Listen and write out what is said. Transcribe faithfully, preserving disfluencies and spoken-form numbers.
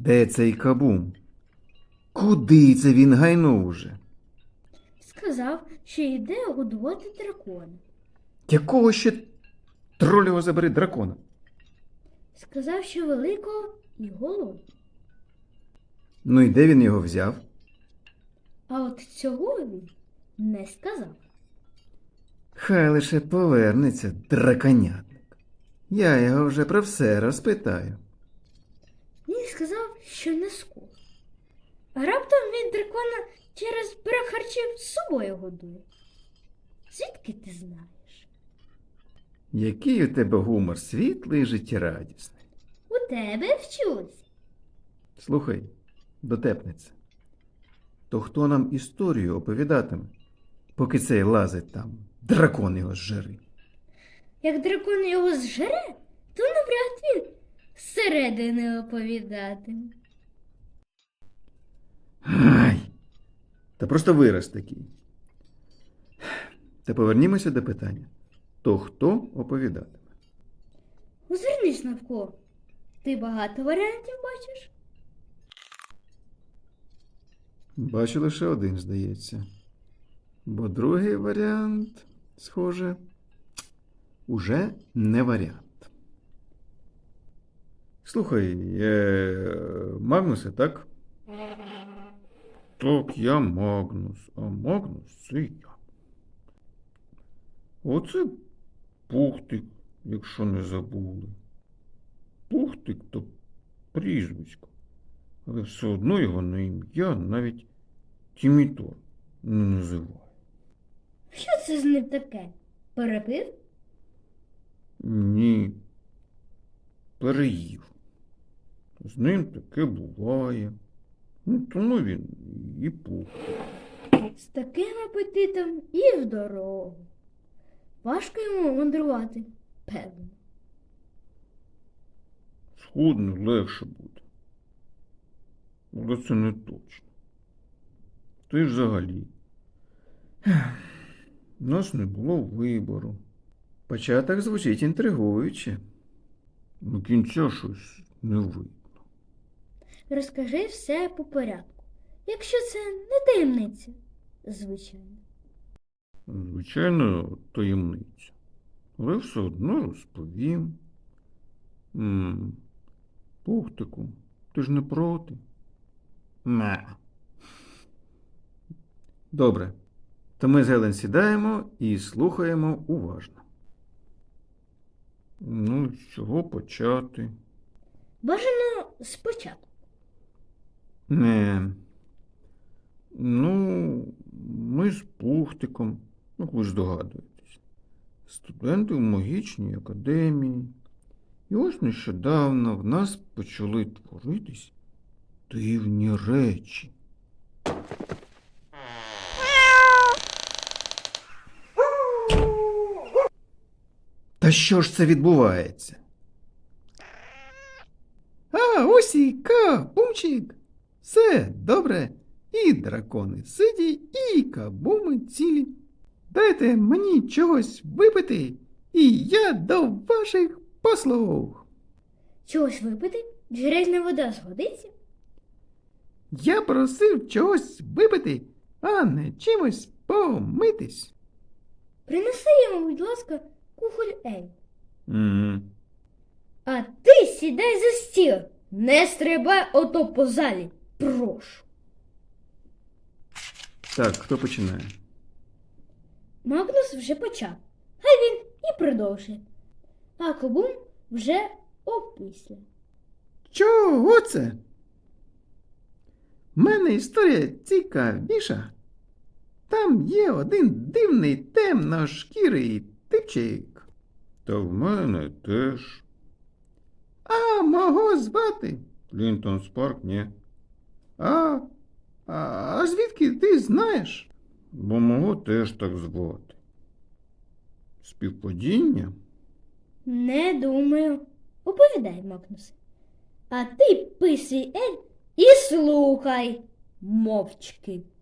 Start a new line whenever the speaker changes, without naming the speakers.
Де цей кабум? Куди це він гайнув уже?
Сказав, що йде годувати дракона.
Якого ще троль його забери дракона?
Сказав, що великого і голодного.
Ну і де він його взяв?
А от цього він не сказав.
Хай лише повернеться драконятник. Я його вже про все розпитаю.
Він сказав, що не скоро. А раптом він дракона через брак харчів з собою годує. Звідки ти знаєш?
Який у тебе гумор світлий і життєрадісний.
У тебе вчусь.
Слухай, дотепниця, то хто нам історію оповідатиме, поки цей лазить там, дракон його зжери?
Як дракон його зжере, то навряд він зсередини оповідатиме.
Ай! Та просто вираз такий. Та повернімося до питання. То хто оповідатиме?
Озирнись навколо. Ти багато варіантів бачиш?
Бачу лише один, здається. Бо другий варіант, схоже, уже не варіант. Слухай, е, Магнусе, так? Так, я Магнус, а Магнус це я. Оце Пухтик, якщо не забули. Пухтик то прізвисько, але все одно його на ім'я навіть Тімітор не називає.
Що це з ним таке? Перепив?
Ні, переїв. З ним таке буває. Ну, тому він і Пухтик.
З таким апетитом і в дорогу. Важко йому мандрувати, певно.
Схудне легше буде. Але це не точно. Ти ж взагалі. У нас не було вибору. Початок звучить інтригуюче. До кінця щось не видно.
Розкажи все по порядку, якщо це не таємниця, звичайно.
Звичайно, таємниця. Але все одно розповім. М, Пухтику, ти ж не проти? Не. Добре. То ми з Гелен сідаємо і слухаємо уважно. Ну, з чого почати?
Бажано спочатку.
Не. Ну, ми з Пухтиком, ну, ви ж здогадуєтесь, студенти в магічній академії. І ось нещодавно в нас почали творитись дивні речі. Та що ж це відбувається? А, ось і кабумчик. Все добре. І дракони сиді, і кабуми цілі. Дайте мені чогось випити, і я до ваших послуг.
Чогось випити? Джерельна вода згодиться?
Я просив чогось випити, а не чимось помитись.
Принеси йому, будь ласка, кухоль Ель.
Угу.
А ти сідай за стіл, не стрибай ото по залі, прошу.
Так, хто починає?
Магнус вже почав, хай він і продовжує. А Кабум вже опісля.
Чого це? В мене історія цікавіша. Там є один дивний темношкірий типчик. Та в мене теж. А мого звати? Лінтон Спарк, ні. А, а, а звідки ти знаєш? Бо мого теж так звати. Співпадіння?
Не думаю. Оповідай, Магнусе. А ти писуй Ель і слухай мовчки.